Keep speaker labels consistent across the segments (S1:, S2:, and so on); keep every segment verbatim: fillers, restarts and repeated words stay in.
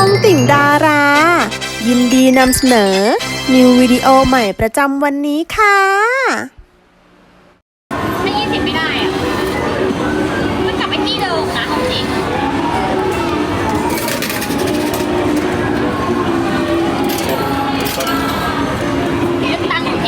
S1: องติ่งดารา ยินดีนำเสนอนิววิดีโอใหม่ประจำวันนี้ค่ะ
S2: ถ้ายี่สิบไม่ได้อะมันกลับไปที่เดิมนะจริงเลือกตั้งที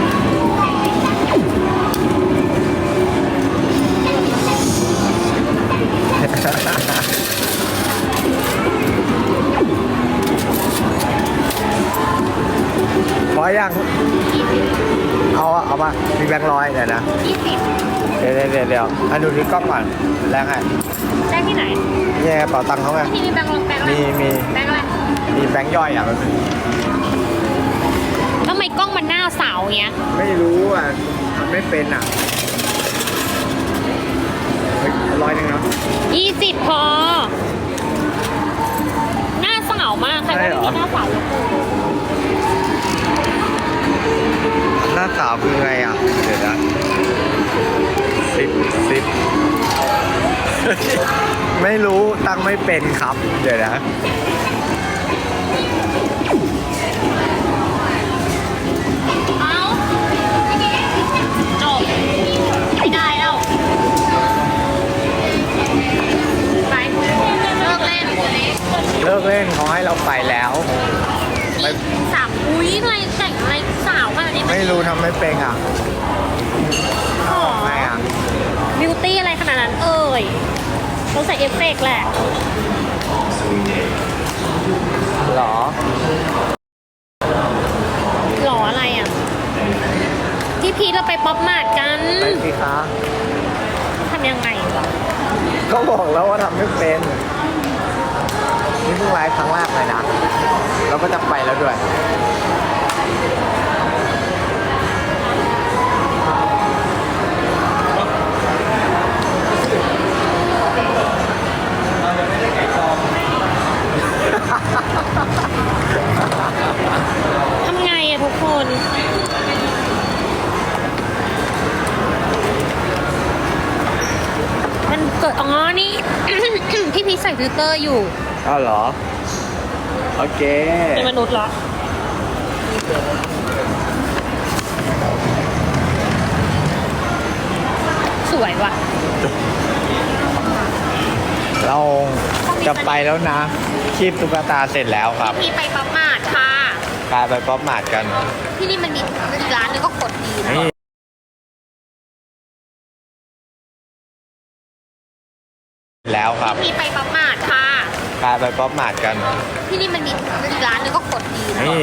S3: พอยังเอาเอามามีแบงค์ร้อยเดี๋ยวนะ
S2: ยี่สิบ
S3: เดี๋ยวเดี๋ยวเดี๋ยวเดี๋ยวอันดูที่กล้องก่อนแรงไง
S2: แจ้งที่ไหน
S3: นี่กระเป๋าตังค์เขาไง
S2: ที่มีแบงค์ลงแบงค์อะไร
S3: มีมี
S2: แบงค์อะไร
S3: มีแบงค์ย่อยอ่ะมันเป็น
S2: ทำไมกล้องมันหน้าเสาเงี้ย
S3: ไม่รู้อ่ะมันไม่เป็นอ่ะเฮ้ยร้อยหนึ่งเนาะ
S2: ยี่สิบพอ หน้าเสามากใครว่าไม่มีหน้าเสาเลย
S3: หน้าสาวคือไงอ่ะเดี๋ยวนะสิบสิบ ไม่รู้ตั้งไม่เป็นครับเดี๋ยวนะ
S2: เอาจบไม่ได้แล้วไปเลิกเล่น
S3: เลิกเล่นเขาให้เราไปแล้วไป
S2: สามอุ้ยอะไรแต่งอะไรสาวขนาดนี้
S3: ไม่รู้ทำไม่เป็นอ่ะ
S2: อ๋อ
S3: ไม่อ่ะ
S2: บิวตี้อะไรขนาดนั้นเอ่ยต้องใส่เอฟเฟกต์แหละ
S3: หรอ
S2: หล่ออะไรอ่ะที่พีทเราไปป๊อปมาร์ทกัน
S3: ไปสิคะ
S2: ทำยังไงวะ
S3: ก็บอกแล้วว่าทำไม่เป็นนี่เพิ่งไลฟ์ครั้งแรกเลยนะเราก็จะไปแล้วด้วย
S2: ทำไงอะทุกคน มันเกิดอ๋อนี่ พี่พีชใส่ฟิลเตอร์อยู่
S3: อ้าวเหรอ โอเค
S2: เป็นมนุษย์เหรอ สวยว่ะ
S3: เราจะไปแล้วนะคีบตุ๊กตาเสร็จแล้วครับ
S2: พี่ไปป๊อปมาร์ทค่ะ
S3: กลายไปป๊อปมาร์ทกัน
S2: ที่นี่มันมีอีกร้านนึงก็กดดีนะ
S3: นี่แล้วครับ
S2: พี่ไปป๊อปมาร์ทค่ะ
S3: กลายไปป๊อปมาร์ทกัน
S2: ที่นี่มันมีอีกร้านนึงก็กดดีนะ
S3: นี่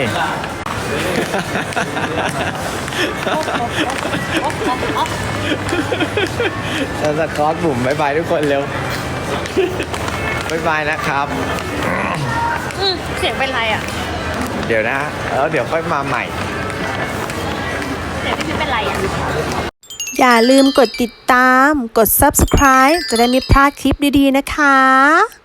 S2: โอ๊ะโอ๊ะโอ๊ะโอ๊ะโอ๊ะ
S3: จะสกอตบุ๋มบายบายทุกคนเร็วบายบายนะครับ
S2: อืมเสียงเป็นไรอ่ะ
S3: เดี๋ยวนะแล้วเดี๋ยวค่อยมาใหม่
S2: เสียงพี่พีชเป็นไรอ่ะ
S1: อย่าลืมกดติดตาม กด ซับสไครบ์ จะได้ไม่พลาดคลิปดีๆนะคะ